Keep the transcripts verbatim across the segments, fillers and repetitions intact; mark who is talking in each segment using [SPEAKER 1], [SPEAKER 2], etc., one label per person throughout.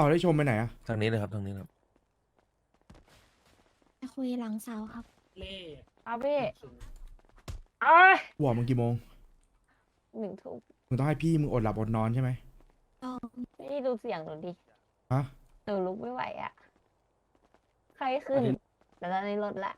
[SPEAKER 1] าวได้ชมไปไหนอะ
[SPEAKER 2] ทางนี้เลยครับทางนี้ครับ
[SPEAKER 3] ไปคุยหลังเสาครับ
[SPEAKER 4] เล่
[SPEAKER 5] เอาพี่เอ้ย
[SPEAKER 1] หัวมึงกี่โมง
[SPEAKER 5] หนึ่งทุ่ม
[SPEAKER 1] มึงต้องให้พี่มึงอดหลับอดนอนใช่ไหม
[SPEAKER 3] ต้อง
[SPEAKER 5] พี่ดูเสียงหนูดิ
[SPEAKER 1] ฮะ
[SPEAKER 5] หนูลุกไม่ไหวอ่ะ ใครขึ้น แต่ตอนนี้ลดละ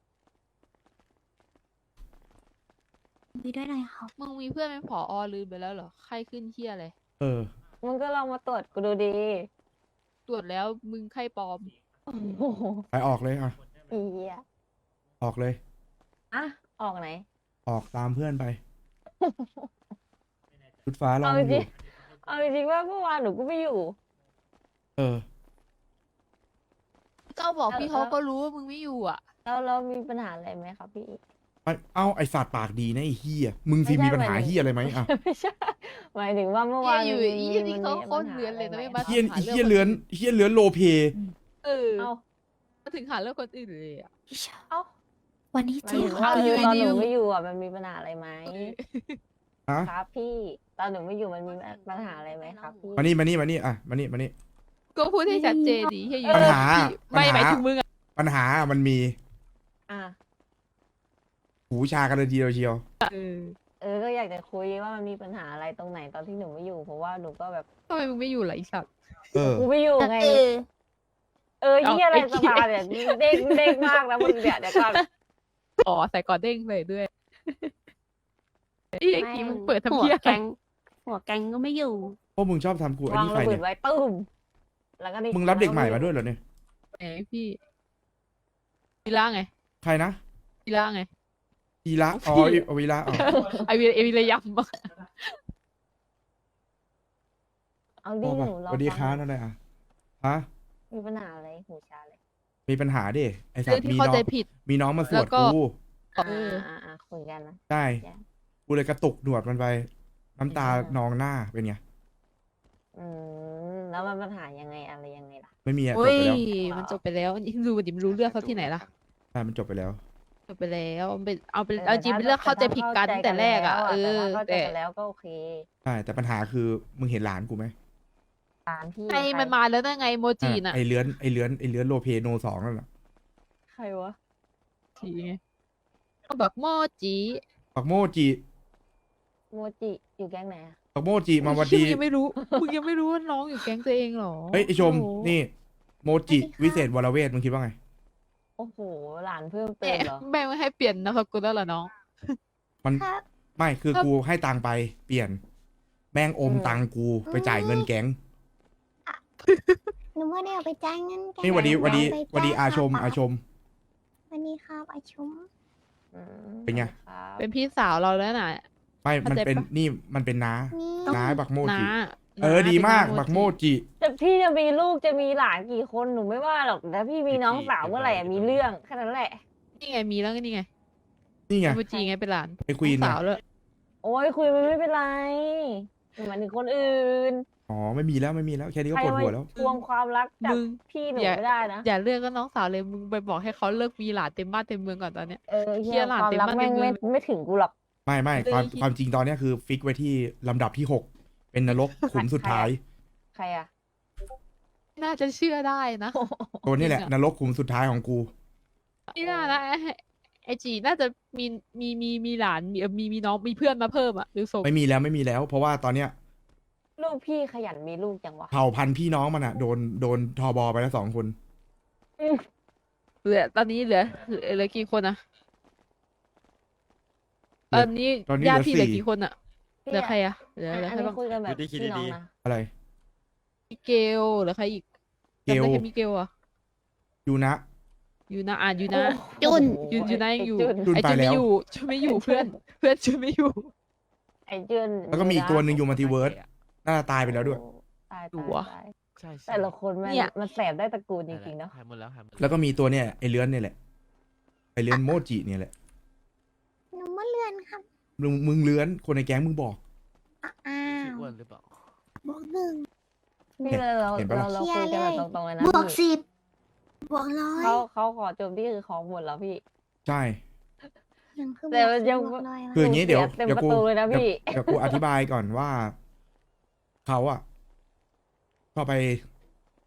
[SPEAKER 3] คุยด้วยหน่อยครับ
[SPEAKER 6] มึงมีเพื่อนเป็นผอลืมไปแล้วเหรอไข้ขึ้นเที่ยอะไร
[SPEAKER 1] เออ
[SPEAKER 5] มึงก็ลองมาตรวจกูดูดี
[SPEAKER 6] ตรวจแล้วมึงไข้ปลอม
[SPEAKER 5] โอ้โห
[SPEAKER 1] ไปออกเลยอ่ะ
[SPEAKER 5] อีเหี้ย
[SPEAKER 1] ออกเลย
[SPEAKER 5] อ่ะ ออกไหน
[SPEAKER 1] ออกตามเพื่อนไป ชุดฟ้าลอง
[SPEAKER 5] เอาจ
[SPEAKER 1] อ
[SPEAKER 5] ริ
[SPEAKER 1] ยู่
[SPEAKER 5] งเอาจริงว่าเมื่อวานหนูก็ไม่อยู่
[SPEAKER 1] เออ
[SPEAKER 6] ก็บอกพี่
[SPEAKER 5] เออ
[SPEAKER 6] เขาก็รู้ว่ามึงไม่อยู่อ่ะ
[SPEAKER 5] แล้วเรามีปัญหาอะไรไหมครับพี่
[SPEAKER 1] ไปเอ้าไอสัตว์ปากดีนะไอเฮียมึงสิ
[SPEAKER 5] ไม่ใช่
[SPEAKER 1] มีปัญหา
[SPEAKER 5] หมายถึง
[SPEAKER 1] เฮียอะไรไหมอ่ะ
[SPEAKER 5] ไม่ใช่ หมายถึงว่าเมื่อวาน
[SPEAKER 6] เนี่ยอยู่
[SPEAKER 5] มั
[SPEAKER 6] อีนี่
[SPEAKER 5] มั
[SPEAKER 6] เขา
[SPEAKER 5] มี
[SPEAKER 6] โคตร
[SPEAKER 5] ปัญหา
[SPEAKER 6] เลื้อนเลยนะ
[SPEAKER 5] ไร
[SPEAKER 6] ไม่
[SPEAKER 5] ไห
[SPEAKER 6] มา
[SPEAKER 1] เฮีย
[SPEAKER 6] หาเรื่อง
[SPEAKER 1] เฮียเลื้อนเฮียเลื้อนโลเพ
[SPEAKER 6] เออ
[SPEAKER 5] เอา
[SPEAKER 6] มาถึงหาเรื่องคนอื่นเลยอ่ะ
[SPEAKER 5] เอา
[SPEAKER 3] วันนี้
[SPEAKER 5] หมาย
[SPEAKER 3] เจ๊
[SPEAKER 5] ถึง
[SPEAKER 3] เขา
[SPEAKER 5] ว่า
[SPEAKER 6] เอาอยู่
[SPEAKER 5] คือตอน
[SPEAKER 6] ดี
[SPEAKER 5] หนู
[SPEAKER 6] ๆ
[SPEAKER 5] ไม่อยู่อ่ะมันมีปัญหาอะไรไหม
[SPEAKER 1] ฮะ
[SPEAKER 5] ครับพี่ ตอนหนูไม่อยู่มันมีปัญหาอะไรไหมครับพี่
[SPEAKER 1] มานี่มานี่มานี่อ่ะมานี่มานี่
[SPEAKER 6] ก็พูดให้ชัดเจนดิเฮียอยู่
[SPEAKER 1] ปัญหา
[SPEAKER 6] ไม่
[SPEAKER 1] ปัญหา
[SPEAKER 6] หมายถึงมึงอ่ะ
[SPEAKER 1] ปัญหามันมี
[SPEAKER 5] อ่ะ
[SPEAKER 1] หูชากันเลยทีเดียวเชียว
[SPEAKER 6] เออ
[SPEAKER 5] เออ ก็อยากจะคุยว่ามันมีปัญหาอะไรตรงไหนตอนที่หนูไม่อยู่ เพราะว่าหนูก็แบบ
[SPEAKER 6] ทำไมมึงไม่อยู่ล่ะไอสัตว์
[SPEAKER 1] เออ
[SPEAKER 5] กูไม่อยู่ไง
[SPEAKER 3] เออ
[SPEAKER 5] เออ
[SPEAKER 6] เอา
[SPEAKER 5] เหียอะไร
[SPEAKER 6] ไอ้
[SPEAKER 5] ส
[SPEAKER 6] เหี้ย
[SPEAKER 5] ภาเนี่ยเด้งเด้งมากนะมึงเนี่ยเดี๋ยวก่อน
[SPEAKER 6] อ๋อใส่กอดเด้งเลยด้วยไอ้ไอ้กี้มึงเปิดทำ
[SPEAKER 3] หัว
[SPEAKER 6] เพี้ย
[SPEAKER 3] แก๊งหัวแก๊งก็ไม่อยู่
[SPEAKER 1] พวกมึงชอบทำกูไอ้
[SPEAKER 5] วาง
[SPEAKER 1] นี่ใคร
[SPEAKER 5] ระเบิ
[SPEAKER 1] เนี่
[SPEAKER 5] ด
[SPEAKER 1] ย
[SPEAKER 5] ไว้ตุ้มแล้วก็นี่
[SPEAKER 1] มึงรับเด็กใหม่มาด้วยเหรอเนี่ย
[SPEAKER 6] ไหนพี่วีล่าไง
[SPEAKER 1] ใครนะ
[SPEAKER 6] วีล่าไง
[SPEAKER 1] อีละอ๋อเอาวีละอ๋อ
[SPEAKER 6] ไอวีไอวีระยำอะ
[SPEAKER 5] เอา
[SPEAKER 1] พ
[SPEAKER 5] ดิ
[SPEAKER 1] อ
[SPEAKER 5] ห
[SPEAKER 1] ป่ะ
[SPEAKER 5] นูรอ
[SPEAKER 1] สวัสดีค
[SPEAKER 5] ฟั
[SPEAKER 1] รับ
[SPEAKER 5] ง
[SPEAKER 1] นั่นเลยอ่ะฮะ
[SPEAKER 5] มีปัญหาอะไรหูชาเลย
[SPEAKER 1] มีปัญหาดิไอสัต
[SPEAKER 6] เรื่อง
[SPEAKER 1] ว์
[SPEAKER 6] ที่
[SPEAKER 1] มี
[SPEAKER 6] เข้า
[SPEAKER 1] น้อ
[SPEAKER 6] ใจ
[SPEAKER 1] ง
[SPEAKER 6] ผิด
[SPEAKER 1] มีน้องมาสวด
[SPEAKER 6] แล้วก็
[SPEAKER 1] กู
[SPEAKER 6] เออ
[SPEAKER 5] อ่าอ่าคุยกันนะ
[SPEAKER 1] ใช่
[SPEAKER 5] จ้ะ
[SPEAKER 1] กูเลยกระตุกหนวดมันไป น้ำตานองหน้าเป็นไง
[SPEAKER 5] อืมแล้วมันปัญหายังไงอะไรยังไงล่ะ
[SPEAKER 1] ไม่มีอะจ
[SPEAKER 6] โอ้
[SPEAKER 1] บ
[SPEAKER 6] ย
[SPEAKER 1] ไปแล้ว
[SPEAKER 6] มันจบไปแล้วนี่ดูดิมันรู้เรื่องเขาที่ไหนล่ะ
[SPEAKER 1] ใช่มันจบไปแล้ว
[SPEAKER 6] จบไปแล้วมันเป็นเอาเป็น
[SPEAKER 5] เออ
[SPEAKER 6] เอาจริงเป็นเรื่องเข้าใจผิดกันตั้งแต่แรกอ่ะ เออ
[SPEAKER 5] เข้าใจ
[SPEAKER 6] แต่
[SPEAKER 5] กันแล้วก็โอเค
[SPEAKER 1] ใช่ แต่ปัญหาคือมึงเห็นหลานกูไหม
[SPEAKER 5] ตามพี่
[SPEAKER 6] ไอ้มันมาแล้วนั่นไงโมจิ
[SPEAKER 1] อ่ะ
[SPEAKER 6] น่ะ
[SPEAKER 1] ไอเลื้อนไอเลื้อนไอเลื้อนโลเพโนสองนั่นแหละ
[SPEAKER 5] ใครวะ
[SPEAKER 6] ทีไงก็แบบโมจิ
[SPEAKER 1] ปักโมจิ
[SPEAKER 5] โมจิอยู่แก๊งไหนอะ
[SPEAKER 1] ปักโมจิมาวัน
[SPEAKER 6] เฮ้ย
[SPEAKER 1] ดี
[SPEAKER 6] มึงยังไม่รู้ มึงยังไม่รู้ว่าน้องอยู่แก๊งตัวเองเหรอ
[SPEAKER 1] เฮ้ยไอชม
[SPEAKER 6] โอ้โห
[SPEAKER 1] นี่ โมจิวิเศษวรเวทมึงคิดว่าไง
[SPEAKER 5] โอ้โหหลานเพิ่มเติ
[SPEAKER 6] แม่
[SPEAKER 5] มเหรอ
[SPEAKER 6] แม่ไม่ให้เปลี่ยนนามสกุลแล้วเหรอน้อง
[SPEAKER 1] มัน
[SPEAKER 3] ครับ
[SPEAKER 1] ไม่คือ
[SPEAKER 6] ครับ
[SPEAKER 1] กูให้ตังค์ไปเปลี่ยน แม่งอม
[SPEAKER 5] อืม
[SPEAKER 1] ตังค์กูไปจ่ายเงินแก๊ง
[SPEAKER 3] หนูว่าได้เอาไปจ่ายเงินแก
[SPEAKER 1] นี่หวันดีหวันดี
[SPEAKER 3] ไป
[SPEAKER 1] หวันดี
[SPEAKER 3] จ่ย
[SPEAKER 1] อาชม
[SPEAKER 3] ค่
[SPEAKER 1] อาชม
[SPEAKER 3] วันนี้ครับอาชม
[SPEAKER 5] อืม
[SPEAKER 1] เป็นไง
[SPEAKER 5] ครับ
[SPEAKER 6] เป็นพี่สาวเราแล้วน่ะ
[SPEAKER 1] ไม่ มัน
[SPEAKER 6] เข้าใจ
[SPEAKER 1] เป็น
[SPEAKER 6] ปะ
[SPEAKER 1] นี่มันเป็นน้า
[SPEAKER 3] นี่
[SPEAKER 1] น้าบักโม
[SPEAKER 6] น้า
[SPEAKER 1] จิ เออ ดีมาก
[SPEAKER 6] เป็นน้
[SPEAKER 1] บักโมจิ
[SPEAKER 5] แต่พี่จะมีลูกจะมีหลานกี่คนหนูไม่ว่าหรอกแต่พี่มีน้องสาวเมื่อไหร่อะมีเรื่องแค่นั้นแหละ
[SPEAKER 6] นี่ไงมีแล้วนี่ไง
[SPEAKER 1] นี่ไง
[SPEAKER 6] โมจิไงเป็นหลาน
[SPEAKER 1] ไอควีน
[SPEAKER 6] น้อง
[SPEAKER 1] นะ
[SPEAKER 6] สาวเลย
[SPEAKER 5] โอ้ยคุยมันไม่เป็นไรหมายถึงคนอื่น
[SPEAKER 1] อ๋อ ไม่มีแล้วไม่มีแล้วแค่นี้ก็
[SPEAKER 5] ใคร
[SPEAKER 1] ปวด
[SPEAKER 5] มา
[SPEAKER 1] หัวแล้ว
[SPEAKER 5] ทวงความรักจาก
[SPEAKER 6] มึง
[SPEAKER 5] พี่หนู
[SPEAKER 6] อย่า
[SPEAKER 5] ไม่ได้นะ
[SPEAKER 6] อย่าเลือกก็น้องสาวเลยมึงไปบอกให้เขาเลิกมีหลานเต็มบ้านเต็มเมืองก่อนตอนเนี้ย
[SPEAKER 5] เออ
[SPEAKER 6] เหี้
[SPEAKER 5] เฮีย
[SPEAKER 6] ยหลาน
[SPEAKER 5] ความ
[SPEAKER 6] เต็ม
[SPEAKER 5] รัก
[SPEAKER 6] บ้าน
[SPEAKER 5] แม่ง
[SPEAKER 6] เต็มเมื
[SPEAKER 5] ไม่
[SPEAKER 6] อง
[SPEAKER 5] ไม่ถึงกูหรอก
[SPEAKER 1] ไม่ไม่
[SPEAKER 6] เลย
[SPEAKER 1] ความ
[SPEAKER 6] คิด
[SPEAKER 1] ความจริงตอนเนี้ยคือฟิกไว้ที่ลำดับที่หกเป็นนรกขุมสุดท้าย
[SPEAKER 5] ใครอะ
[SPEAKER 6] น่าจะเชื่อได้นะ
[SPEAKER 1] ตัวนี้แหละ
[SPEAKER 6] จริงอะ
[SPEAKER 1] นรกขุมสุดท้ายของกู
[SPEAKER 6] นี่น่านะไอ้ไอจีน่าจะมีมีมีมีหลานมีเอ่อมีมีน้องมีเพื่อนมาเพิ่มอ่ะหรือส่ง
[SPEAKER 1] ไม่มีแล้วไม่มีแล้ว เพราะว่าตอนเนี้ย
[SPEAKER 5] ลูกพี่ขยันมีลูกจังวะ
[SPEAKER 1] เผ่าพันธุ์พี่น้องมันอะโดนโดนทอบอไปแล้วสองคน
[SPEAKER 6] เหลือตอนนี้เหลือเหลือเหลือกี่คนอะตอนนี้
[SPEAKER 1] ตอนนี้
[SPEAKER 6] ญา
[SPEAKER 1] เหลือ
[SPEAKER 6] ติพี่เหลือ
[SPEAKER 1] สี่
[SPEAKER 6] กี่คนอะเหลือใครอะเหลือ
[SPEAKER 5] อ่ะ
[SPEAKER 6] เหลือ
[SPEAKER 5] อัน
[SPEAKER 6] ใคร
[SPEAKER 5] นี้
[SPEAKER 6] บ้าง
[SPEAKER 5] คุยกันแบบ
[SPEAKER 4] ดูดิคิด
[SPEAKER 5] พี่น้อง
[SPEAKER 4] ดี
[SPEAKER 5] นะ
[SPEAKER 1] อะไร
[SPEAKER 6] มิเกลเหลือใครอีก
[SPEAKER 1] เกล
[SPEAKER 6] จำได้แค่มิเกลอะ
[SPEAKER 1] ยูนะ
[SPEAKER 6] อยู่นะอ่านอยู่นะ
[SPEAKER 3] จุน
[SPEAKER 5] โอ้โห
[SPEAKER 6] อยู่อยู่นะยังอยู่
[SPEAKER 5] ไจุน
[SPEAKER 1] จุน
[SPEAKER 6] ไอ
[SPEAKER 1] ไป
[SPEAKER 6] จุน
[SPEAKER 1] แล้
[SPEAKER 6] ไม่
[SPEAKER 1] ว
[SPEAKER 6] อยู่จุนไม่อยู่เพื่อน เพื่อนจุนไม่อยู่
[SPEAKER 5] ไอ้จุน
[SPEAKER 1] แล้วก็มีอีกตัวหนึ่งอยู่มัลติเวิร์สน่าจะตายไปแล้วด้วย
[SPEAKER 5] โอ้ตาย
[SPEAKER 6] ดู
[SPEAKER 5] ตายว
[SPEAKER 6] ะ
[SPEAKER 5] ตาย
[SPEAKER 4] ใช่ใช่
[SPEAKER 5] แต่ละคนมัน
[SPEAKER 6] เนี่ย
[SPEAKER 5] มันแสบได้ตระกูลจริงๆเนาะ
[SPEAKER 4] หายหมดแล้วหายหมด
[SPEAKER 1] แล้วก็มีตัวเนี่ยไอเลื้อนเนี่ยแหละไอเลื้อนโมจิเนี่ยแหละ
[SPEAKER 3] หนูมาเลื่อนครับ
[SPEAKER 1] มึงมึงเลื้อนคนในแก๊งมึงบอก
[SPEAKER 3] อ้า
[SPEAKER 4] ชื่อ
[SPEAKER 3] ว
[SPEAKER 4] อ้วนหรือเปล่า
[SPEAKER 3] บวกหนึ่ง
[SPEAKER 5] พี่เราเรา
[SPEAKER 1] เห็นปะล่ะ
[SPEAKER 5] เราเราคุยกันแบบตรงๆเลยนะ
[SPEAKER 3] บวก
[SPEAKER 5] พี่
[SPEAKER 3] สิบบวกร้อย
[SPEAKER 5] เขาเขาขอโจมที่คือของหมดแล้วพี่
[SPEAKER 1] ใช่
[SPEAKER 3] ยังคือ
[SPEAKER 5] แต่มันยัง
[SPEAKER 3] บวกร้อย
[SPEAKER 1] คืออย่างนี้เดี๋ยว
[SPEAKER 5] เต็ม
[SPEAKER 1] เดี๋ยว
[SPEAKER 5] ประ
[SPEAKER 1] กู
[SPEAKER 5] ตูเลยนะ
[SPEAKER 1] เดี๋ยว
[SPEAKER 5] พี่
[SPEAKER 1] เดี๋ยวกูอธิบายก่อนว่าเขาอะก็ไป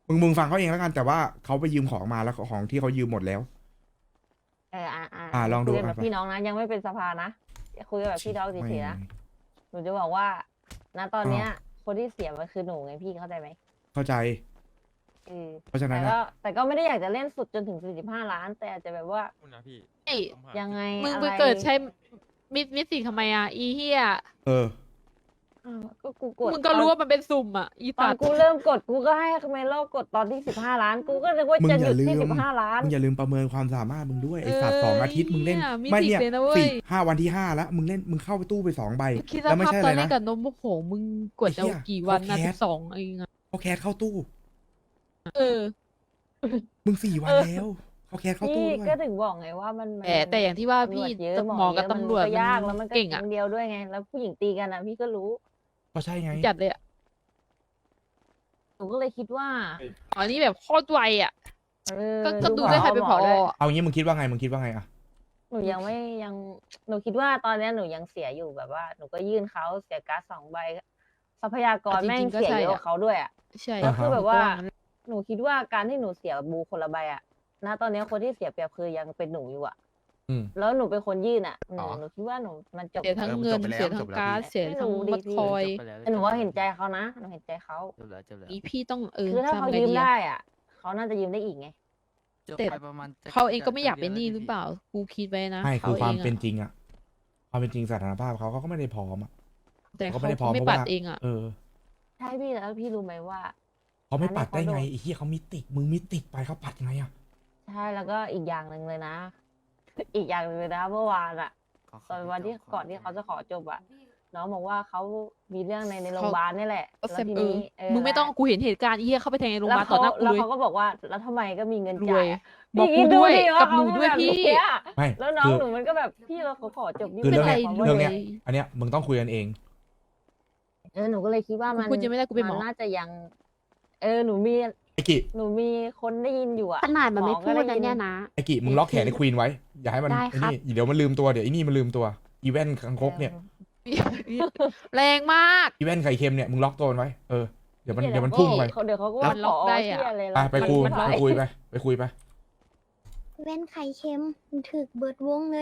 [SPEAKER 1] มึงมึงฟังเขาเองแล้วกันแต่ว่าเขาไปยืมของมาแล้วของที่เขายืมหมดแล้ว
[SPEAKER 5] เอออ่าอ่า
[SPEAKER 1] อ่าลองดู
[SPEAKER 5] คุยกันแบบ
[SPEAKER 1] อ่ะ
[SPEAKER 5] พี่น้องนะ ยังไม่เป็นสภานะคุยกันแบบพี่น้องเฉยๆนะหนูจะบอกว่าณตอนเนี้ย คนที่เสียมันคือหนูไงพี่เข้าใจไหม
[SPEAKER 1] เข้าใจ
[SPEAKER 5] เออ
[SPEAKER 1] เพราะฉะนั้
[SPEAKER 5] แต่
[SPEAKER 1] น
[SPEAKER 5] ก็
[SPEAKER 1] อะ
[SPEAKER 5] แต่ก็ไม่ได้อยากจะเล่นสุดจนถึงสี่สิบห้าล้าน แต่อาจจะแบบว่า
[SPEAKER 2] คุณนะพี่
[SPEAKER 6] เฮ้ย
[SPEAKER 2] ผมหา
[SPEAKER 5] ยังไง
[SPEAKER 6] มึง
[SPEAKER 5] อะ
[SPEAKER 6] ไป
[SPEAKER 5] ไร
[SPEAKER 6] เกิดใช้มิดมิดสิทำไมอ่ะอีเฮีย
[SPEAKER 1] เออ
[SPEAKER 5] อ้าวก็กูกด
[SPEAKER 6] มึงก็รู้ว่ามันเป็นสุ่มอ่ะอี
[SPEAKER 5] ตอ
[SPEAKER 6] สั
[SPEAKER 5] น
[SPEAKER 6] ตว์
[SPEAKER 5] กูเริ่มกดกูก็ให้คาเมโลกดตอนที่สิบห้าล้าน กูก็นึกว่า
[SPEAKER 1] มึง
[SPEAKER 5] จะ
[SPEAKER 1] อ
[SPEAKER 5] หยุ
[SPEAKER 1] ย่า
[SPEAKER 5] ด
[SPEAKER 1] ลื
[SPEAKER 5] ที่
[SPEAKER 1] ม
[SPEAKER 5] สิบห้าล้าน
[SPEAKER 1] มึงอย่าลืมประเมินความสามารถมึงด้วยไอสัตว์
[SPEAKER 6] เออ
[SPEAKER 1] สองอาทิตย์มึงเล่น
[SPEAKER 6] เนี่ยมี
[SPEAKER 1] ไม่
[SPEAKER 6] สิทธิ์
[SPEAKER 1] เนี่ย
[SPEAKER 6] เลยนะเว้ย
[SPEAKER 1] สี่ห้าวันที่ห้าแล้วมึงเล่นมึงเข้าไปตู้ไปสองใบ
[SPEAKER 6] คิดส
[SPEAKER 1] แล้วไม่
[SPEAKER 6] ภาพ
[SPEAKER 1] ใช่
[SPEAKER 6] ต
[SPEAKER 1] อะ
[SPEAKER 6] อน
[SPEAKER 1] ไร
[SPEAKER 6] เล่
[SPEAKER 1] นะ
[SPEAKER 6] นกับนมโอ้โหมึงกด
[SPEAKER 1] ไอ้
[SPEAKER 6] จะ
[SPEAKER 1] เหี้ย
[SPEAKER 6] กี่วันนะ
[SPEAKER 1] เขาแค
[SPEAKER 6] สิ
[SPEAKER 1] ส
[SPEAKER 6] บสองเองอะ
[SPEAKER 1] เขาแคสเข้าตู้
[SPEAKER 6] เออ
[SPEAKER 1] มึงสี่วันแล้วเขาแคสเข้าตู้
[SPEAKER 5] พี่
[SPEAKER 1] ด้วย
[SPEAKER 5] ก็ถึงบอกไงว่ามันมัน
[SPEAKER 6] แต่แต่อย่างที่ว่า
[SPEAKER 5] ตำร
[SPEAKER 6] พี่
[SPEAKER 5] วจเยอะ
[SPEAKER 6] หมอกับ
[SPEAKER 5] เยะ
[SPEAKER 6] ตำรวจ
[SPEAKER 5] มันก็ยากแล้ว
[SPEAKER 6] มั
[SPEAKER 5] มัน
[SPEAKER 6] น
[SPEAKER 5] ก็
[SPEAKER 6] เก่งอะ
[SPEAKER 5] คนเดียวด้วยไง แล้วผู้หญิงตีกันอะพี่ก็รู้
[SPEAKER 1] ก็ใช่ไง
[SPEAKER 6] จัดเลยอะ
[SPEAKER 5] หนูก็เลยคิดว่า
[SPEAKER 6] อ๋อนี่แบบโคตรไวอะ
[SPEAKER 5] เออ
[SPEAKER 6] ก็ก็ดูด้วยใครเป็นผอ
[SPEAKER 5] ด้วย
[SPEAKER 6] อะ
[SPEAKER 1] เอางี้มึงคิดว่าไงมึงคิดว่าไงอะ
[SPEAKER 5] หนูยังไม่ยังหนูคิดว่าตอนเนี้ยหนูยังเสียอยู่แบบว่า หนูก็ยื่นเขาเสียการ์ดสองใบทรัพยากรแม่งเสียเยอะกว่าเขาด้วยอะ
[SPEAKER 6] ใช่
[SPEAKER 5] แล้วคือแบบว่า
[SPEAKER 6] งั้น
[SPEAKER 5] หนูคิดว่าการที่หนูเสียบูคนละใบอะณตอนเนี้ยคนที่เสียเปรียบคือยังเป็นหนูอยู่อะ
[SPEAKER 1] อืม
[SPEAKER 5] แล้วหนูเป็นคนยื่นอะหนู
[SPEAKER 2] อ๋อ
[SPEAKER 5] หนูคิดว่าหนูมันจบ
[SPEAKER 6] เสียทั้งเงิน
[SPEAKER 2] เออมันจบไปแล้ว
[SPEAKER 6] เสียทั้
[SPEAKER 2] จ
[SPEAKER 6] ง
[SPEAKER 2] บแล้ว
[SPEAKER 6] การ์ด
[SPEAKER 2] พี่
[SPEAKER 6] เสีย
[SPEAKER 5] ไม่
[SPEAKER 6] ทั้ง
[SPEAKER 5] รู้ดิ
[SPEAKER 6] บัตร
[SPEAKER 5] พี่
[SPEAKER 6] คอย
[SPEAKER 2] จบไปแล้ว
[SPEAKER 5] แต่หนูว่าเห็นใจเขานะหนูเห็นใจเขา
[SPEAKER 2] จบแล้วจบแล้ว
[SPEAKER 6] อีพี่ต้องเออ
[SPEAKER 5] คือถ้า
[SPEAKER 6] ทำ
[SPEAKER 5] เขา
[SPEAKER 6] ไง
[SPEAKER 5] ยืม
[SPEAKER 6] ดี
[SPEAKER 5] ได้
[SPEAKER 6] อะ
[SPEAKER 5] อะเขาน่าจะยืมได้อีกไง
[SPEAKER 2] จบ
[SPEAKER 6] แต่
[SPEAKER 2] ไปประมาณจะ
[SPEAKER 6] เขาเองก็ไม่อยาก
[SPEAKER 2] จะ
[SPEAKER 6] เป็นหนี้
[SPEAKER 2] ดื
[SPEAKER 6] หรือเปล่า กูคิดไว้นะ
[SPEAKER 1] ไม่คือ
[SPEAKER 6] ข
[SPEAKER 1] ความ
[SPEAKER 6] งะ
[SPEAKER 1] เป็นจริงอะความเป็นจริงสถานภาพเขาเขาก็ไม่ได้พร้อมอะ
[SPEAKER 6] แต่
[SPEAKER 1] เขา
[SPEAKER 6] เขา
[SPEAKER 1] ไม่ได้พร้อม
[SPEAKER 6] ไม่
[SPEAKER 1] เพราะ
[SPEAKER 6] ปัด
[SPEAKER 1] ว่า
[SPEAKER 6] เองอะ
[SPEAKER 1] เออ
[SPEAKER 5] ใช่พี่แล้วพี่รู้ไหมว่า
[SPEAKER 1] เขาไม่ปัดได้ไง
[SPEAKER 5] อันนี้เขาโดน
[SPEAKER 1] ไอ้เหี้ยเขามีติกมึงมีติกไปเขาปัดไงอะ
[SPEAKER 5] ใช่แล้วก็อีกอย่างหนึ่งเลยนะ อีกอย่างหนึ่งเลยนะเมื่อวานอะ
[SPEAKER 2] ขอ
[SPEAKER 5] ตอนวันที่
[SPEAKER 2] ข
[SPEAKER 5] ก่อนที่เขาจะขอจบอะน้องบอกว่าเขามีเรื่องในในโร
[SPEAKER 6] เขา
[SPEAKER 5] งพยาบาลนี่แหละ
[SPEAKER 6] ก็
[SPEAKER 5] แล้
[SPEAKER 6] เซ
[SPEAKER 5] ว
[SPEAKER 6] ม
[SPEAKER 5] ที
[SPEAKER 6] เออ
[SPEAKER 5] นี้เออ
[SPEAKER 6] มึงไม่ต้องกูเห็นเหตุการณ์อีเหี้ยเข้าไปแทงในโรงพยาบาลต่อหน้ากู
[SPEAKER 5] แล้ว
[SPEAKER 6] เลย
[SPEAKER 5] เขาก็บอกว่าแล้วทำไมก็มีเงิน
[SPEAKER 6] ร
[SPEAKER 5] จ่า
[SPEAKER 6] วย
[SPEAKER 5] ยอะ
[SPEAKER 6] บอก
[SPEAKER 5] พี่
[SPEAKER 6] กู
[SPEAKER 5] คิ
[SPEAKER 6] ด้วย
[SPEAKER 5] ดิ
[SPEAKER 6] กับหนู
[SPEAKER 5] เขา
[SPEAKER 6] ด้วย
[SPEAKER 5] แบบ
[SPEAKER 6] พี่
[SPEAKER 5] เนี้ย
[SPEAKER 1] ไม่
[SPEAKER 5] แล้วน้อง
[SPEAKER 1] คือ
[SPEAKER 5] หนูมันก็แบบพี่เราเขาขอจบนี่
[SPEAKER 1] คือ
[SPEAKER 5] ไม่
[SPEAKER 1] เรื่อง
[SPEAKER 5] ได้
[SPEAKER 1] เนี้ย
[SPEAKER 5] ความว่า
[SPEAKER 1] เรื่องเนี้ย
[SPEAKER 6] รวย
[SPEAKER 1] อันเนี้ยมึงต้องคุยกันเอง
[SPEAKER 5] เออหนูก็เลยคิดว่ามัน
[SPEAKER 6] กูพูดยังไม่ได้กูเป็นหมอ
[SPEAKER 5] น่าจะยัง เออหนูมี
[SPEAKER 1] ไอ้กิ
[SPEAKER 5] หนูมีคนได้ยินอยู่อะ
[SPEAKER 3] ขนาดมันไม่
[SPEAKER 5] ห
[SPEAKER 3] พูด
[SPEAKER 5] ก็
[SPEAKER 3] นะ
[SPEAKER 5] ได้
[SPEAKER 3] เนี่ยนะ
[SPEAKER 1] ไอ้กิมึงล็อกแขนไอ้ควีนไว้ อย่าให้มัน
[SPEAKER 3] ได้
[SPEAKER 1] ไอ้
[SPEAKER 3] ครับ
[SPEAKER 1] นี่เดี๋ยวมันลืมตัวเดี๋ยวไอ้นี่มันลืมตัวอีเวนต์คังคกเนี่ย
[SPEAKER 6] แรงมาก
[SPEAKER 1] อีเวนต์ไข่เค็มเนี่ยมึงล็อกตัวมันไว้เออเดี๋ยวมัน
[SPEAKER 5] นี่แหละ
[SPEAKER 1] เดี๋ยวมันพุ่งไป
[SPEAKER 5] เขาเดี๋ยวเขาก็
[SPEAKER 6] แล้
[SPEAKER 5] ว่าว
[SPEAKER 6] ล็อก
[SPEAKER 5] ข
[SPEAKER 6] ได้
[SPEAKER 5] เที่
[SPEAKER 6] อะ
[SPEAKER 5] ยอะไร
[SPEAKER 1] ไปไปคุย
[SPEAKER 5] มัน
[SPEAKER 1] ไปคุยไปไปคุยไป
[SPEAKER 3] เว้นไข่เค็มมันถึกเบิดวงเลย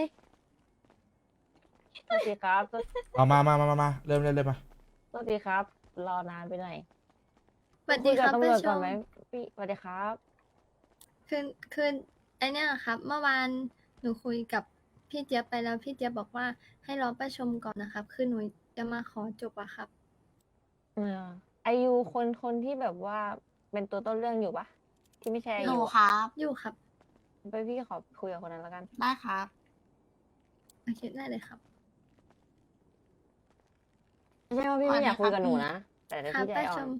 [SPEAKER 5] สวัสดีครับส
[SPEAKER 1] เอามามามามามาเริ่มเริ่มเริ่มมา
[SPEAKER 5] วัสดีครับ รอนานไปหน่อย
[SPEAKER 4] สวัสดีครับ
[SPEAKER 5] คุยกับตำรวจ
[SPEAKER 4] ประช
[SPEAKER 5] ก่อน
[SPEAKER 4] ม
[SPEAKER 5] ไหมพี่สวัสดีครับ
[SPEAKER 4] คือคือไอเนี้ยครับ เมื่อวานหนูคุยกับพี่เจี๊ยบไปแล้วพี่เจี๊ยบบอกว่าให้รอประชมก่อนนะครับ คือหนูจะมาขอจบอะครับ
[SPEAKER 5] เอออายุคนคนที่แบบว่าเป็นตัวต้นเรื่องอยู่ปะที่ไม่ใช่อา
[SPEAKER 7] หนู
[SPEAKER 5] ยุ
[SPEAKER 7] ครับ
[SPEAKER 4] อยู่ครับ
[SPEAKER 5] ไปพี่ขอคุยกับคนนั้นแล้วกัน
[SPEAKER 7] ได้ครับ
[SPEAKER 4] โอเคได้เลยครับ
[SPEAKER 5] ไม่ใช่ว่าพี่ไม่อยากคุยกับหนูนะแต่เดี๋ยว
[SPEAKER 4] ครับ
[SPEAKER 5] พี่ใจ
[SPEAKER 4] ประ
[SPEAKER 5] อ่อ
[SPEAKER 4] ช
[SPEAKER 5] น
[SPEAKER 4] ม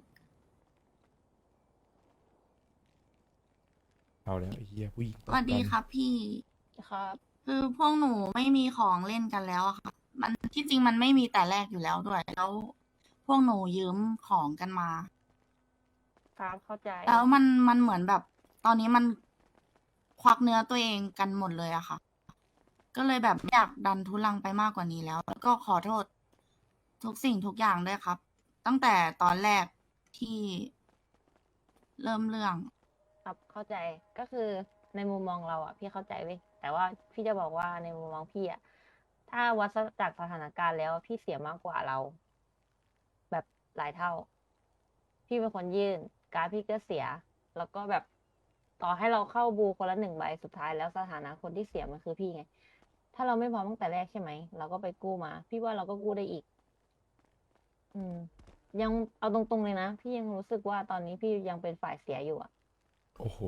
[SPEAKER 1] เอาแล้วไอ้เหี้ยผู้หญิง
[SPEAKER 7] สวัสดีครับพี่
[SPEAKER 5] ครับ
[SPEAKER 7] คือพวกหนูไม่มีของเล่นกันแล้วอะค่ะ มันที่จริงมันไม่มีแต่แรกอยู่แล้วด้วย แล้วพวกหนูยืมของกันมา
[SPEAKER 5] ครับเข้าใจ
[SPEAKER 7] แล้วมันมันเหมือนแบบ ตอนนี้มันควักเนื้อตัวเองกันหมดเลยอะค่ะ ก็เลยแบบไม่อยากดันทุลังไปมากกว่านี้แล้ว แล้วก็ขอโทษ ทุกสิ่งทุกอย่างด้วยครับ ตั้งแต่ตอนแรกที่เริ่มเรื่อง
[SPEAKER 5] ครับเข้าใจก็คือในมุมมองเราอ่ะ พี่เข้าใจเว้ยแต่ว่าพี่จะบอกว่าในมุมมองพี่อ่ะถ้าวัดจากสถานการณ์แล้วพี่เสียมากกว่าเรา แบบหลายเท่า พี่เป็นคนยื่น การดพี่ก็เสีย แล้วก็แบบต่อให้เราเข้าบูคนละหนึ่งใบสุดท้ายแล้วสถานะคนที่เสียมันคือพี่ไง ถ้าเราไม่พร้อมตั้งแต่แรกใช่ไหมเราก็ไปกู้มา พี่ว่าเราก็กู้ได้อีก อืม ยังเอาตรงๆเลยนะ พี่ยังรู้สึกว่าตอนนี้พี่ยังเป็นฝ่ายเสียอยู่อ่ะ
[SPEAKER 1] โอ้โห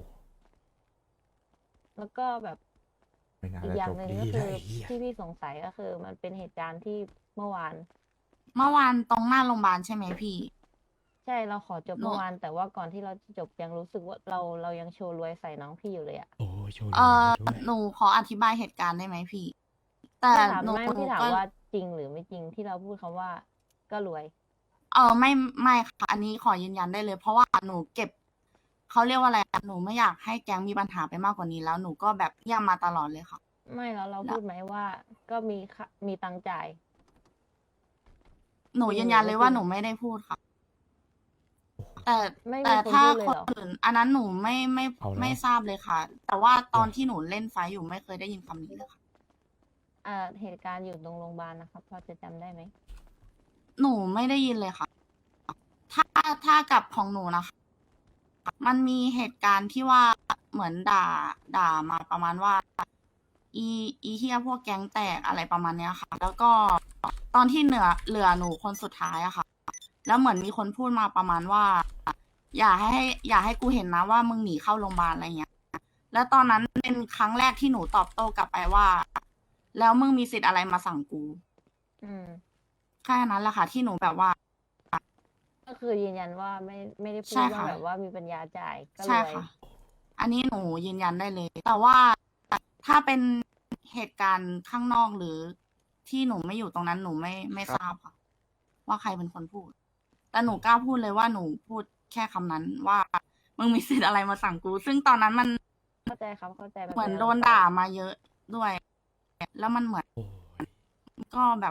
[SPEAKER 5] แล้วก็แบบ
[SPEAKER 1] ไม่น่า
[SPEAKER 5] อีก
[SPEAKER 1] จะ
[SPEAKER 5] อย่า
[SPEAKER 1] จ
[SPEAKER 5] ง
[SPEAKER 1] บ
[SPEAKER 5] หนึ่ง
[SPEAKER 1] ดี
[SPEAKER 5] ก็
[SPEAKER 1] นะ
[SPEAKER 5] คือ
[SPEAKER 1] ไอ้เหี้ย
[SPEAKER 5] ที่พี่สงสัยก็คือ มันเป็นเหตุการณ์ที่เมื่อวาน
[SPEAKER 7] เมื่อวานตรงหน้าโรงพยาบาลใช่ไหมพี่
[SPEAKER 5] ใช่เราขอจบ
[SPEAKER 7] หนู
[SPEAKER 5] เมื่อวาน แต่ว่าก่อนที่เราจะจบยังรู้สึกว่าเราเรายังโชว์รวยใส่น้องพี่อยู่เลยอะ
[SPEAKER 1] โอ้ยโชว์
[SPEAKER 7] เอ
[SPEAKER 1] ดี
[SPEAKER 7] อ
[SPEAKER 1] ด้วย
[SPEAKER 7] หนูขออธิบายเหตุการณ์ได้ไหมพี่ แต่
[SPEAKER 5] พี่ถาม
[SPEAKER 7] หนู
[SPEAKER 5] ไม่
[SPEAKER 7] หนู
[SPEAKER 5] พี่ถาม
[SPEAKER 7] ก็
[SPEAKER 5] ว่าจริงหรือไม่จริงที่เราพูดคำว่า ก็รวย
[SPEAKER 7] เออไม่ไม่ค่ะอันนี้ขอยืนยันได้เลย เพราะว่าหนูเก็บเขาเรียกว่าอะไรอะหนูไม่อยากให้แก๊งมีปัญหาไปมากกว่านี้แล้วหนูก็แบบเยี่ยมมาตลอดเลยค่ะ
[SPEAKER 5] ไม่แล้วเรา
[SPEAKER 7] แล้ว
[SPEAKER 5] พูดไหมว่า ก็มีค่ะมีตังค์จ่าย
[SPEAKER 7] หนู
[SPEAKER 5] จริง
[SPEAKER 7] ยืนยัน
[SPEAKER 5] หรือ
[SPEAKER 7] เลย
[SPEAKER 5] ไม่
[SPEAKER 7] ว่า
[SPEAKER 5] จริง
[SPEAKER 7] หนูไม่ได้พูดค่ะ
[SPEAKER 1] โอ้โห
[SPEAKER 7] แต่
[SPEAKER 5] ไม่มี
[SPEAKER 7] แต่
[SPEAKER 5] คน
[SPEAKER 7] ถ้า
[SPEAKER 5] พูดเลย
[SPEAKER 7] คน
[SPEAKER 5] เหรอ
[SPEAKER 7] อื่นอันนั้นหนูไม่ไม่
[SPEAKER 1] เอาแล้ว
[SPEAKER 7] ไม่ทราบเลยค่ะ แต่ว่าตอนที่หนูเล่นไฟท์อยู่ไม่เคยได้ยินคำนี้เลยค่ะ
[SPEAKER 5] อ่าเหตุการณ์อยู่ตรงโรงพยาบาลนะครับพอจะจำได้ไหม
[SPEAKER 7] หนูไม่ได้ยินเลยค่ะ ถ้าถ้ากับของหนูนะคะ มันมีเหตุการณ์ที่ว่าเหมือนด่าด่ามาประมาณว่า อีอีเฮียพวกแก๊งแตกอะไรประมาณเนี้ยค่ะ แล้วก็ตอนที่เหนือเหลือหนูคนสุดท้ายอะค่ะ แล้วเหมือนมีคนพูดมาประมาณว่า อย่าให้ อย่าให้กูเห็นนะว่ามึงหนีเข้าโรงพยาบาลอะไรเงี้ย แล้วตอนนั้นเป็นครั้งแรกที่หนูตอบโต้กลับไปว่า แล้วมึงมีสิทธิ์อะไรมาสั่งกู
[SPEAKER 5] อืม
[SPEAKER 7] แค่นั้นแหละค่ะ ที่หนูแบบว่า
[SPEAKER 5] ก็คือยืนยันว่าไม่ไม่ได้พู
[SPEAKER 7] ใช่
[SPEAKER 5] ดว่า
[SPEAKER 7] ค่ะ
[SPEAKER 5] แบบว่ามีปัญญาจ่ายก็
[SPEAKER 7] ใช่
[SPEAKER 5] เลย
[SPEAKER 7] ค่ะ อันนี้หนูยืนยันได้เลย แต่ว่าถ้าเป็นเหตุการณ์ข้างนอกหรือที่หนูไม่อยู่ตรงนั้นหนูไม่ไม่ทราบค่ะ ว่าใครเป็นคนพูด แต่หนูกล้าพูดเลยว่าหนูพูดแค่คำนั้นว่ามึงมีสิทธิ์อะไรมาสั่งกู ซึ่งตอนนั้นมัน
[SPEAKER 5] เข้าใจครับเข้าใจแบบ
[SPEAKER 7] เหมือนโดนด่ามาเยอะด้วย แล้วมันเหมือน
[SPEAKER 1] โอ้ย
[SPEAKER 7] ก็แบบ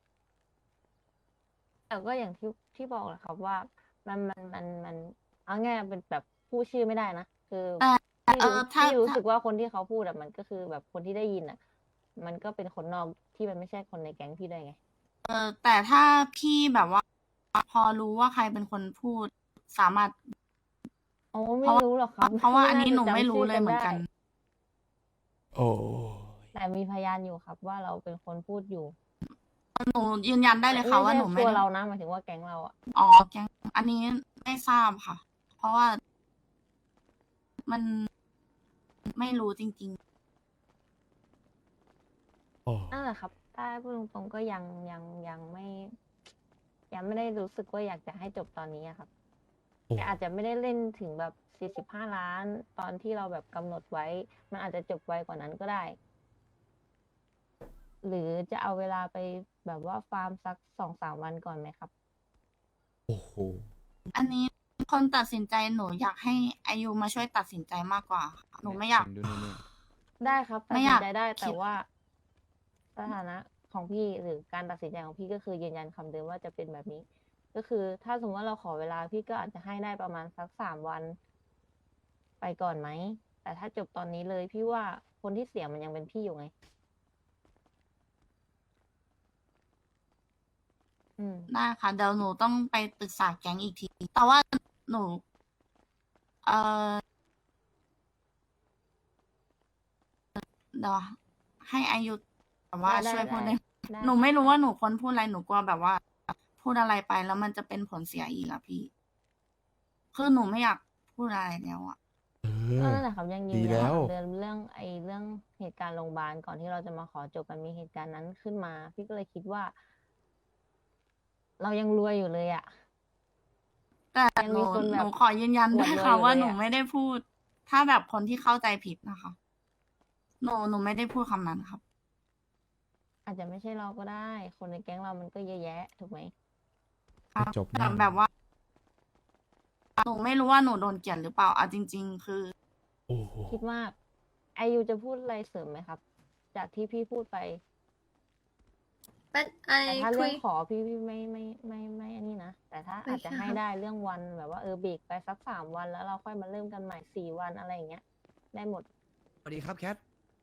[SPEAKER 5] แต่ก็อย่างที่ที่บอกแหละครับว่ามันมันมันมันเอาง่ายๆเป็นแบบพูดชื่อไม่ได้นะคือ
[SPEAKER 7] แต่
[SPEAKER 5] ที่
[SPEAKER 7] เอ
[SPEAKER 5] รู้
[SPEAKER 7] อถ้า
[SPEAKER 5] ที่รู้
[SPEAKER 7] ถ้า
[SPEAKER 5] สึกว่าคนที่เขาพูดอะมันก็คือแบบคนที่ได้ยินอะมันก็เป็นคนนอกที่มันไม่ใช่คนในแก๊งพี่ด้วยไง
[SPEAKER 7] เออแต่ถ้าพี่แบบว่า พอรู้ว่าใครเป็นคนพูดสามารถ
[SPEAKER 5] โอ้ไม่
[SPEAKER 7] เพราะว่า
[SPEAKER 5] รู้หรอกครับ
[SPEAKER 7] เพราะว่าอันนี้
[SPEAKER 5] จ
[SPEAKER 7] หนูไม่
[SPEAKER 5] จำ
[SPEAKER 7] รู้
[SPEAKER 5] ชื่
[SPEAKER 7] เลยเหมือนกัน
[SPEAKER 5] ได้
[SPEAKER 1] โอ้ย
[SPEAKER 5] แต่มีพยานอยู่ครับว่าเราเป็นคนพูดอยู่
[SPEAKER 7] หนูยืนยันได้เลยค่ะว่าหนู
[SPEAKER 5] ไม่
[SPEAKER 7] ไม่
[SPEAKER 5] ใช่ตัว
[SPEAKER 7] ได้
[SPEAKER 5] เรานะหมายถึงว่าแก๊งเราอะ
[SPEAKER 7] อ๋อแก๊งอันนี้ไม่ทราบค่ะ เพราะว่า มันไม่รู้จริง
[SPEAKER 1] โอ้
[SPEAKER 5] นั่นแหละครับ ถ้าพูดตรงๆก็ยังยังยังไม่ ยังไม่ได้รู้สึกว่าอยากจะให้จบตอนนี้อะครับ
[SPEAKER 1] โอ้
[SPEAKER 5] แต่อาจจะไม่ได้เล่นถึงแบบสี่สิบห้าล้าน ตอนที่เราแบบกำหนดไว้ มันอาจจะจบไวกว่านั้นก็ได้ หรือจะเอาเวลาไปแบบว่าฟาร์มสักสองสามวันก่อนไหมครับ
[SPEAKER 1] โอ้โห
[SPEAKER 7] ๆ อันนี้คนตัดสินใจหนูอยากให้อายุมาช่วยตัดสินใจมากกว่าค่ะหนูไม่อยาก
[SPEAKER 2] ดูนี่
[SPEAKER 5] ได้ครับตัด
[SPEAKER 7] ไม่
[SPEAKER 5] สิ
[SPEAKER 7] อน ยาก
[SPEAKER 5] ใจได้
[SPEAKER 7] คิ
[SPEAKER 5] แต่
[SPEAKER 7] ด
[SPEAKER 5] ว่าสถานะของพี่หรือการตัดสินใจของพี่ก็คือยืนยันคำเดิมว่าจะเป็นแบบนี้ ก็คือถ้าสมมติว่าเราขอเวลาพี่ก็อาจจะให้ได้ประมาณสักสามวัน ไปก่อนไหม แต่ถ้าจบตอนนี้เลยพี่ว่าคนที่เสียมันยังเป็นพี่อยู่ไง อืม
[SPEAKER 7] ได้ค่ะเดี๋ยวหนูต้องไปปรึกษาแก๊งอีกที แต่ว่าหนู เออเดี๋ยวให้อายุแบบว่า
[SPEAKER 5] ได้
[SPEAKER 7] ช่วยพูด
[SPEAKER 5] ได้
[SPEAKER 7] ได้
[SPEAKER 5] ได้
[SPEAKER 7] หนูไม่รู้ว่าหนูควรพูดอะไรหนูกลัวแบบว่า พูดอะไรไปแล้วมันจะเป็นผลเสียอีกอะพี่ คือหนูไม่อยากพูดอะไรแล้วอะ
[SPEAKER 1] เอ
[SPEAKER 5] ก็
[SPEAKER 1] อ
[SPEAKER 5] นั่นแหละครับยังยื
[SPEAKER 1] ดี
[SPEAKER 5] นยัน
[SPEAKER 1] แล้ว
[SPEAKER 5] เรื่องเรื่องไอ้เรื่องเหตุการณ์โรงพยาบาลก่อนที่เราจะมาขอจบมันมีเหตุการณ์นั้นขึ้นมา พี่ก็เลยคิดว่า เรายังรวยอยู่เลยอะ
[SPEAKER 7] แต่
[SPEAKER 5] ยัง
[SPEAKER 7] ห
[SPEAKER 5] มี
[SPEAKER 7] นู
[SPEAKER 5] คน
[SPEAKER 7] ห
[SPEAKER 5] แบบ
[SPEAKER 7] นูขอยืนยัน
[SPEAKER 5] อว
[SPEAKER 7] ด้
[SPEAKER 5] ด
[SPEAKER 7] วย
[SPEAKER 5] รวย
[SPEAKER 7] ค่ะ
[SPEAKER 5] อยู่
[SPEAKER 7] ว่า
[SPEAKER 5] เลย
[SPEAKER 7] หนู
[SPEAKER 5] อะ
[SPEAKER 7] ไม่ได้พูด ถ้าแบบคนที่เข้าใจผิดนะคะ หนูหนูไม่ได้พูดคำนั้นครับ
[SPEAKER 5] อาจจะไม่ใช่เราก็ได้ คนในแก๊งเรามันก็เยอะแยะถูกไหม
[SPEAKER 7] ครับ
[SPEAKER 1] จบ
[SPEAKER 7] แต่
[SPEAKER 1] แน่
[SPEAKER 7] แบบว่า หนูไม่รู้ว่าหนูโดนเกลียดหรือเปล่าเอาจริง ๆ คือ
[SPEAKER 1] โอ้โห
[SPEAKER 5] คิดมากไอยูจะพูดอะไรเสริมไหมครับ จากที่พี่พูดไป
[SPEAKER 4] เป็นไอ
[SPEAKER 5] แต่ถ้า
[SPEAKER 4] คุ
[SPEAKER 5] เรื่อย งขอพี่พี่ไม่ไม่ไม่ไม่อันนี้นะ แต่ถ้า
[SPEAKER 4] ไม่
[SPEAKER 5] อาจจะ
[SPEAKER 4] ค่ะ
[SPEAKER 5] ให้ได้เรื่องวันแบบว่าเออเบรกไปสักสามวันแล้วเราค่อยมาเริ่มกันใหม่สี่วันอะไรอย่างเงี้ย ได้หมด
[SPEAKER 2] สวัสดีครับแคท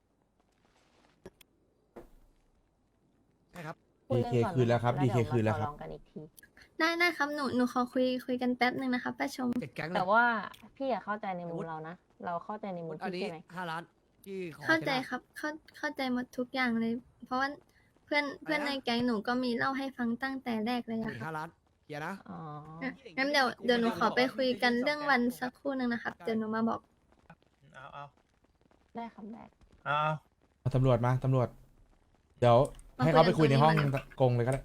[SPEAKER 2] ใช่ครับ
[SPEAKER 5] พูดเรื่อง
[SPEAKER 1] ดีเค
[SPEAKER 5] ก่อน
[SPEAKER 1] คืนแล้วครับ
[SPEAKER 5] เดี๋ย
[SPEAKER 1] ดีเคคืนแล้ว
[SPEAKER 5] มา
[SPEAKER 1] ครับ
[SPEAKER 5] ต่อรองกันอีกที
[SPEAKER 4] ได้ได้ครับหนูหนูขอคุยคุยกันแป๊บหนึ่งนะคะป้าชม
[SPEAKER 2] เจ็ดแก๊งเล
[SPEAKER 5] แต่
[SPEAKER 2] ย
[SPEAKER 5] ว่าพี่อะเข้าใจในมุ
[SPEAKER 2] อาวุ
[SPEAKER 5] ม
[SPEAKER 2] ธ
[SPEAKER 5] เรานะ เราเข้าใจในมุม
[SPEAKER 2] อัน
[SPEAKER 5] พี่
[SPEAKER 2] นี้
[SPEAKER 5] ใช่ไหม
[SPEAKER 2] ห้าล้านที่ขอ
[SPEAKER 4] เข้าใจ
[SPEAKER 2] ช่ไหม
[SPEAKER 4] ครับเข้าเข้าใจหมดทุกอย่างเลย เพราะว่าเพื่อนเพื่อน
[SPEAKER 2] อะไร
[SPEAKER 4] ใน
[SPEAKER 2] นะ
[SPEAKER 4] แก๊งหนูก็มีเล่าให้ฟังตั้งแต่แรกเลย
[SPEAKER 2] อี
[SPEAKER 4] อะ
[SPEAKER 2] ก
[SPEAKER 4] ครั
[SPEAKER 2] ห้า
[SPEAKER 4] บ
[SPEAKER 2] ล้านเคลียร์นะ
[SPEAKER 5] อ๋อ
[SPEAKER 4] อ่ะงั้นเดี๋ยวเดี๋ยวหนูขอไปคุยกันเรื่องวันสักครู่หนึ่งนะครับ เดี๋ยวหนูมาบอก
[SPEAKER 8] เอาเอา
[SPEAKER 5] ได้ครับได้
[SPEAKER 8] เอา
[SPEAKER 1] เอาตำรวจมา ตำรวจ เดี๋ยว
[SPEAKER 4] มา
[SPEAKER 1] ให้เขาไป
[SPEAKER 4] คุ
[SPEAKER 1] คุย
[SPEAKER 4] ยกัน
[SPEAKER 1] ในห้อง
[SPEAKER 4] ตรงนี้มา
[SPEAKER 1] กงเลยก็ได้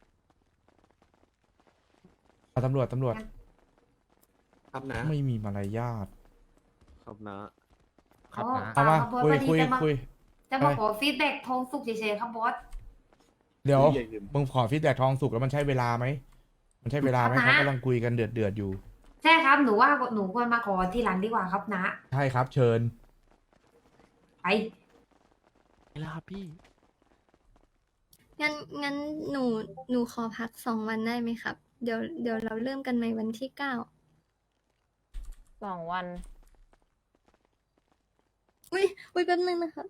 [SPEAKER 1] เอาตำรวจ ตำรวจ
[SPEAKER 9] ครับนะ
[SPEAKER 1] ไม่มีมารยาท
[SPEAKER 9] ครับนะ
[SPEAKER 1] ครับ
[SPEAKER 10] อ๋อ
[SPEAKER 1] เอามา
[SPEAKER 10] ครับบอส
[SPEAKER 1] คุย
[SPEAKER 10] พอดี
[SPEAKER 1] คุย
[SPEAKER 10] จะมา
[SPEAKER 1] คุย
[SPEAKER 10] จะมาขอฟีดแบ็กทองสุกเฉยๆครับบอส
[SPEAKER 1] เดี๋ยว
[SPEAKER 9] อย่าลืม
[SPEAKER 1] มึงขอฟีดแบ็กทองสุกแล้วมันใช่เวลาไหม มันใช่เวลาไหม
[SPEAKER 10] ครับนะ
[SPEAKER 1] เขากำลังคุยกันเดือดเดือดๆอยู่
[SPEAKER 10] ใช่ครับหนูว่าหนูควรมาขอทีหลังดีกว่าครับนะ
[SPEAKER 1] ใช่ครับ เชิญ
[SPEAKER 10] ไป
[SPEAKER 2] แล้วครับพี่
[SPEAKER 4] งั้นงั้นหนูหนูขอพักสองวันได้ไหมครับ เดี๋ยวเดี๋ยวเราเริ่มกันใหม่วันที่เก้า
[SPEAKER 5] สองวัน
[SPEAKER 4] อุ้ยอุ้ยแป๊บนึงนะครับ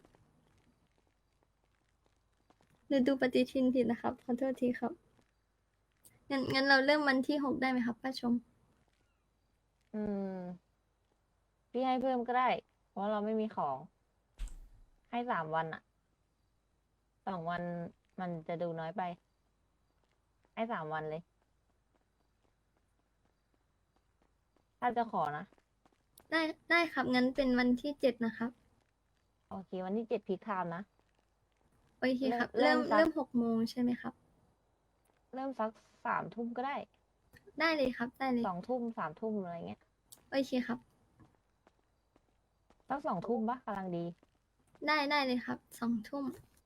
[SPEAKER 4] หนูดูปฏิทินผิดนะครับขอโทษทีครับงั้นงั้นเราเริ่มวันที่หกได้ไหมครับป้าชม
[SPEAKER 5] อืม พี่ให้เพิ่มก็ได้ เพราะเราไม่มีของ ให้สามวันอะสองวันมันจะดูน้อยไป ให้สามวันเลย ถ้าจะขอนะ
[SPEAKER 4] ได้ได้ครับงั้นเป็นวันที่เจ็ดนะครับ
[SPEAKER 5] โอเค วันที่เจ็ดพีคไทม์นะ
[SPEAKER 4] โอเคครับ
[SPEAKER 5] เริ่
[SPEAKER 4] เริ่
[SPEAKER 5] ม
[SPEAKER 4] ม
[SPEAKER 5] สัก
[SPEAKER 4] เริ่มหกโมงใช่ไหมครับ
[SPEAKER 5] เริ่มสักสามทุ่มก็ได้
[SPEAKER 4] ได้เลยครับได้เลย
[SPEAKER 5] สองทุ่มสามทุ่มอะไรเงี้ย
[SPEAKER 4] โอเคครับ
[SPEAKER 5] สักสองทุ่มปะกำลังดี
[SPEAKER 4] ได้ได้เลยครับสองทุ่ม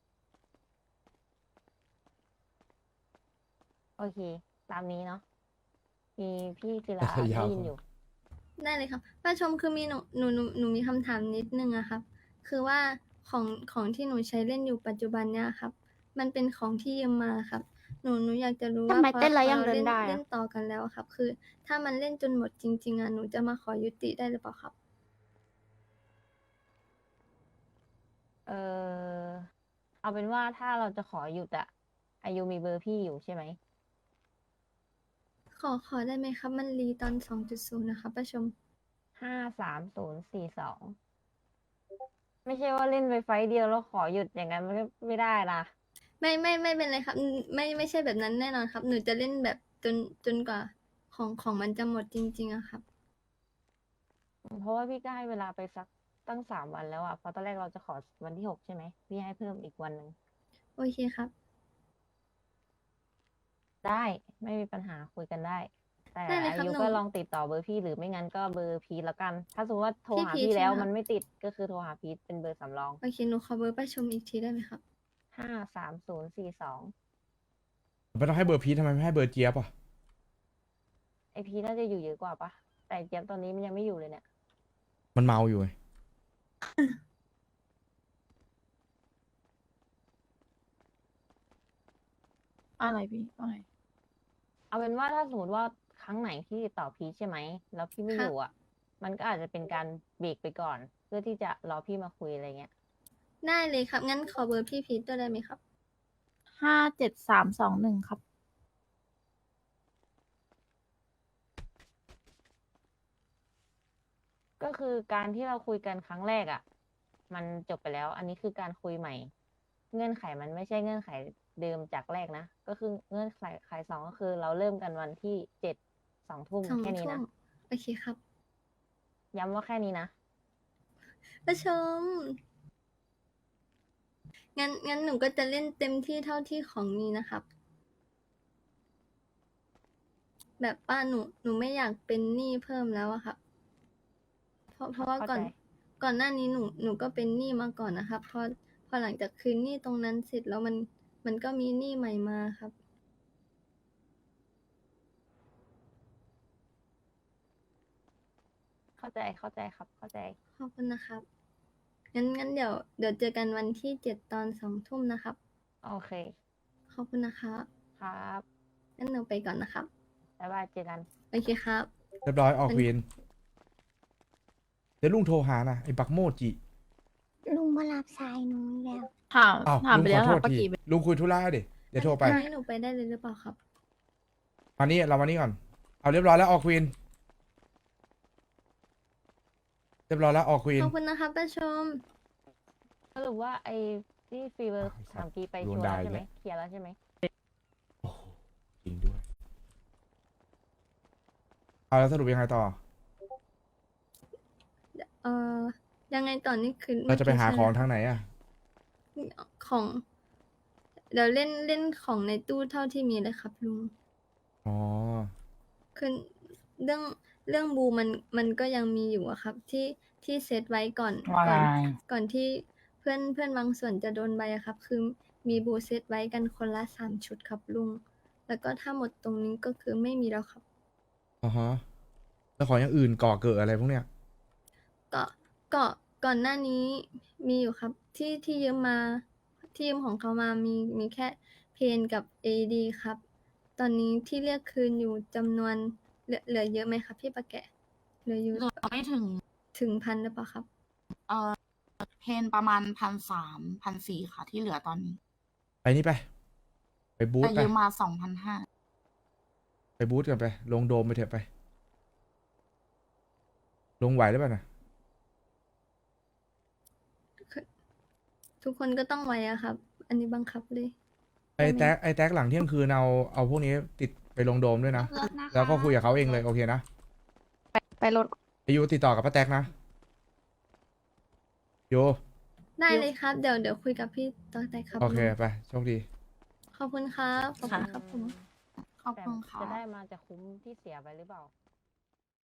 [SPEAKER 5] โอเค ตามนี้เนาะ มีพี่ศิลา
[SPEAKER 1] แต่ยาว
[SPEAKER 5] ได้ยินอยู่
[SPEAKER 4] ได้เลยครับป้าชมคือมีหนูหนูหนูหนูมีคำถามนิดนึงอะครับ คือว่าของของที่หนูใช้เล่นอยู่ปัจจุบันเนี่ยครับ มันเป็นของที่ยืมมาครับ หนูหนูอยากจะรู้ว่า
[SPEAKER 3] ทำไม
[SPEAKER 4] พอ
[SPEAKER 3] เต้นแล้ว
[SPEAKER 4] พอ
[SPEAKER 3] ยัง
[SPEAKER 4] รา
[SPEAKER 3] เดินได้อะ
[SPEAKER 4] เล่นต่อกันแล้วครับ คือ ถ้ามันเล่นจนหมดจริง ๆอะหนูจะมาขอยุติได้หรือเปล่าครับ
[SPEAKER 5] เออเอาเป็นว่าถ้าเราจะขอหยุดอะอายุมีเบอร์พี่อยู่ใช่ไหม
[SPEAKER 4] ขอขอได้ไหมครับ มันรีตอนสองจุดศูนย์นะครับป้าชม
[SPEAKER 5] ห้าสามศูนย์สี่สองไม่ใช่ว่าเล่นไปไฟต์เดียวแล้วขอหยุดอย่างนั้นมันก็ไม่ได้นะ
[SPEAKER 4] ไม่ไม่ไม่เป็นไรครับอืมไม่ไม่ใช่แบบนั้นแน่นอนครับ หนูจะเล่นแบบจนจนกว่าของของมันจะหมดจริง ๆอะครับ
[SPEAKER 5] เพราะว่าพี่ก็ให้เวลาไปสักตั้งสามวันแล้วอะเพราะตอนแรกเราจะขอวันที่หกใช่ไหมพี่ให้เพิ่มอีกวันหนึ่ง
[SPEAKER 4] โอเคครับ
[SPEAKER 5] ได้ไม่มีปัญหาคุยกันได้ แต่
[SPEAKER 4] ได้เลยครั
[SPEAKER 5] อา
[SPEAKER 4] บ
[SPEAKER 5] ยุ
[SPEAKER 4] หนู
[SPEAKER 5] ก็ลองติดต่อเบอร์พี่หรือไม่งั้นก็เบอร์พีทแล้วกัน ถ้าสมมติว่าโทร
[SPEAKER 4] พี่
[SPEAKER 5] หา
[SPEAKER 4] พีท
[SPEAKER 5] พี่แล้ว
[SPEAKER 4] ใช่ไหมครับ
[SPEAKER 5] มันไม่ติดก็คือโทรหาพีทเป็นเบอร์สำรอง
[SPEAKER 4] โอเคหนูขอเบอร์ป้าชมอีกทีได้ไหมครับ
[SPEAKER 5] ห้าสามศูนย์สี่สอง
[SPEAKER 1] ไม่ต้องให้เบอร์พีททำไมไม่ให้เบอร์เจี๊ยบอ่ะ
[SPEAKER 5] ไอพีทน่าจะอยู่เยอะกว่าปะแต่เจี๊ยบตอนนี้มันยังไม่อยู่เลยเนี่ย
[SPEAKER 1] มันเมาอยู่ไง
[SPEAKER 6] อะไรพี่ว่าไง
[SPEAKER 5] เอาเป็นว่าถ้าสมมติว่าครั้งไหนที่ติดต่อพีชใช่ไหมแล้วพี่ไม่
[SPEAKER 4] ครั
[SPEAKER 5] อบ ยู่อ่ะ มันก็อาจจะเป็นการเบรกไปก่อน เพื่อที่จะรอพี่มาคุยอะไรเงี้ย
[SPEAKER 4] ได้เลยครับ งั้นขอเบอร์พี่พีทด้วยได้ไหมครับ
[SPEAKER 6] ห้าเจ็ดสามสองหนึ่งครับ
[SPEAKER 5] ก็คือการที่เราคุยกันครั้งแรกอ่ะ มันจบไปแล้ว อันนี้คือการคุยใหม่ เงื่อนไขมันไม่ใช่เงื่อนไขเดิมจากแรกนะ ก็คือเงื่อนไขไขสองก็คือเราเริ่มกันวันที่เจ็ดสองทุ่ม
[SPEAKER 4] สอง
[SPEAKER 5] แค่นี้
[SPEAKER 4] ทุ่
[SPEAKER 5] นะ
[SPEAKER 4] มโอเคครับ
[SPEAKER 5] ย้ำว่าแค่นี้นะ
[SPEAKER 4] ป้าชม งั้นงั้นหนูก็จะเล่นเต็มที่เท่าที่ของมีนะครับ แบบว่าหนูหนูไม่อยากเป็นหนี้เพิ่มแล้วอะครับ เพราะเพราะว่าก่อน
[SPEAKER 5] เข้าใจ
[SPEAKER 4] ก่อนหน้านี้หนูหนูก็เป็นหนี้มาก่อนนะครับ พอพอหลังจากคืนหนี้ตรงนั้นเสร็จแล้วมันมันก็มีหนี้ใหม่มาครับ
[SPEAKER 5] เข้าใจเข้าใจครับ เข้าใจ
[SPEAKER 4] ขอบคุณนะครับ งั้นงั้นเดี๋ยวเดี๋ยวเจอกันวันที่เจ็ดตอนสองทุ่มนะครับ
[SPEAKER 5] โอเค
[SPEAKER 4] ขอบคุณนะครับ
[SPEAKER 5] ครับ
[SPEAKER 4] งั้นหนูไปก่อนนะครับ
[SPEAKER 5] บ๊ายบายเจอกัน
[SPEAKER 4] โอเคครับ
[SPEAKER 1] เรียบร้อยออกเวรเดี๋ยวลุงโทรหานะไอ้บักโมจิ
[SPEAKER 3] ลุงมารับสายหนูอีกแล้ว
[SPEAKER 6] ถาม
[SPEAKER 1] อ้าว
[SPEAKER 6] ถาม
[SPEAKER 1] ลุง
[SPEAKER 6] ไป
[SPEAKER 1] ข
[SPEAKER 6] แล้
[SPEAKER 1] อ
[SPEAKER 6] ว
[SPEAKER 1] โท
[SPEAKER 6] ถาม
[SPEAKER 1] ษ
[SPEAKER 6] ป้า
[SPEAKER 1] ที
[SPEAKER 6] กีไป
[SPEAKER 1] ลุงคุยธุระดิเดี๋ยวโทรไป
[SPEAKER 4] ให้หนูไปได้เลยหรือเปล่าครับ
[SPEAKER 1] มานี่เรามานี่ก่อน เอาเรียบร้อยแล้วออกควีนเรียบร้อยแล้วออกควีน
[SPEAKER 4] ขอบคุณนะครับป้าชม
[SPEAKER 5] สรุปว่าไอ้ที่ฟีเวอร์
[SPEAKER 1] อ้าว
[SPEAKER 5] สามปีไป
[SPEAKER 1] โด
[SPEAKER 5] ชั
[SPEAKER 1] น
[SPEAKER 5] วร์
[SPEAKER 1] ด่า
[SPEAKER 5] แล้วใช่ไหม
[SPEAKER 1] อีกแล้ว
[SPEAKER 5] เคลียร์แล้วใช่ไหม
[SPEAKER 1] โอ้โหจริงด้วย เอาแล้วสรุปยังไงต่อ
[SPEAKER 4] เอ่อ ยังไงต่อนนี้คือ
[SPEAKER 1] เราจะไปหาของ
[SPEAKER 4] เมื่กี้
[SPEAKER 1] ทางไหนอ่ะ
[SPEAKER 4] ใช่ไหมของ เดี๋ยวเล่นเล่นของในตู้เท่าที่มีเลยครับลุง
[SPEAKER 1] อ๋อ
[SPEAKER 4] คือเรื่องเรื่องบูมันมันก็ยังมีอยู่อะครับ ที่ที่เซตไว้ก่อน
[SPEAKER 6] ว่า
[SPEAKER 4] ก่อน
[SPEAKER 6] ไง
[SPEAKER 4] ก่อนที่เพื่อนเพื่อนบางส่วนจะโดนใบอะครับ คือมีบูเซตไว้กันคนละสามชุดครับลุง แล้วก็ถ้าหมดตรงนี้ก็คือไม่มีแล้วครับ
[SPEAKER 1] อ๋อฮะ แล้วของอย่างอื่นก่อเกิดอะไรพวกเนี้ย
[SPEAKER 4] ก็ก็ก่อนหน้านี้มีอยู่ครับ ที่ที่ยืมมาที่ยืมของเขามามีมีแค่เพนกับ เอ ดี ครับ ตอนนี้ที่เรียกคืนอยู่จำนวนเหลือเหลือเยอะไหมครับพี่ปะแกะเหลืออยู่
[SPEAKER 7] เหลือไม่ถึง
[SPEAKER 4] ถึงพันหรือเปล่าครับ
[SPEAKER 7] เอ่อเพนประมาณพันสามพันสี่ค่ะ ที่เหลือตอนนี้
[SPEAKER 1] ไปนี่ไป ไปบูธ
[SPEAKER 7] แต่
[SPEAKER 1] ไป
[SPEAKER 7] ยืมมาสองพันห้า
[SPEAKER 1] ไปบูธกันไป ลงโดมไปเถอะไป ลงไหวหรือเปล่านะ
[SPEAKER 4] ทุกคนก็ต้องไว้อะครับ อันนี้บังคับเลย
[SPEAKER 1] ไอ้แท็กไอ้แท็กหลังเที่ยงคืนเอาเอาพวกนี้ติดไปลงโดมด้วยนะ แล้วก็คุยกับเขาเองเลยโอเคนะ
[SPEAKER 6] ไปรถ
[SPEAKER 1] ไอยูติดต่อกับป้าแท็กนะโย
[SPEAKER 4] ได้เลยครับ เดี๋ยวเดี๋ยวคุยกับพี่ต่อแต่ครับ
[SPEAKER 1] โอเค
[SPEAKER 4] ลุง
[SPEAKER 1] ไปโชคดี
[SPEAKER 4] ขอบคุณครับ ขอบคุณครับผม
[SPEAKER 7] ขอบ
[SPEAKER 5] แต่
[SPEAKER 7] คุณค่ะ
[SPEAKER 5] จะได้มาจะคุ้มที่เสียไปหรือเปล่า